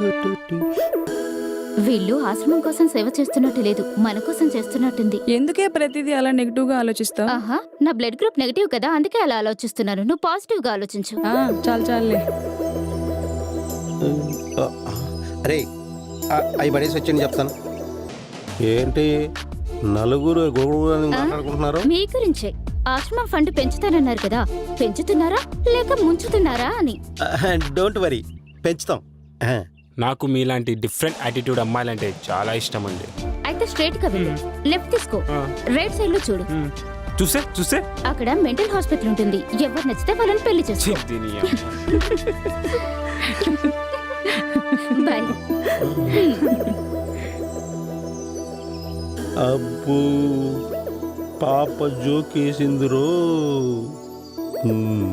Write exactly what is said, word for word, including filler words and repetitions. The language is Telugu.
వీళ్ళు ఆశ్రమం కోసం సేవ చేస్తున్నట్టు లేదు, మన కోసం చేస్తున్నట్టుంది. ఎందుకే ప్రతిదీ అలా నెగిటివ్ గా ఆలోచిస్తావు? ఆహా, నా బ్లడ్ గ్రూప్ నెగటివ్ కదా, అందుకే అలా ఆలోచిస్తున్నాను. నువ్వు పాజిటివ్ గా ఆలోచించు. చాలు చాలులే. అరే అవి పడేసి వచ్చి చెప్తాను. ఏంటి నలుగురు గొడవ మాట్లాడుకుంటున్నారు? మీ గురించే. ఆశ్రమం ఫండ్ పెంచుతానన్నారు కదా, పెంచుతున్నారా లేక ముంచుతున్నారా అని. డోంట్ వరీ, పెంచుతాం. నాకు మీలాంటి డిఫరెంట్ యాటిట్యూడ్ అమ్మాయిలంటే చాలా ఇష్టం అండి. అయితే స్ట్రైట్ గా వెళ్ళు, లెఫ్ట్ తీసుకో, రైట్ సైడ్ లో చూడు. చూసే చూసే అక్కడ మెంటల్ హాస్పిటల్ ఉంటుంది. ఎవరు నచ్చితే వాళ్ళని పెళ్లి చేసుకో. బాయ్. అబ్బో పాప జోకేసిందిరో.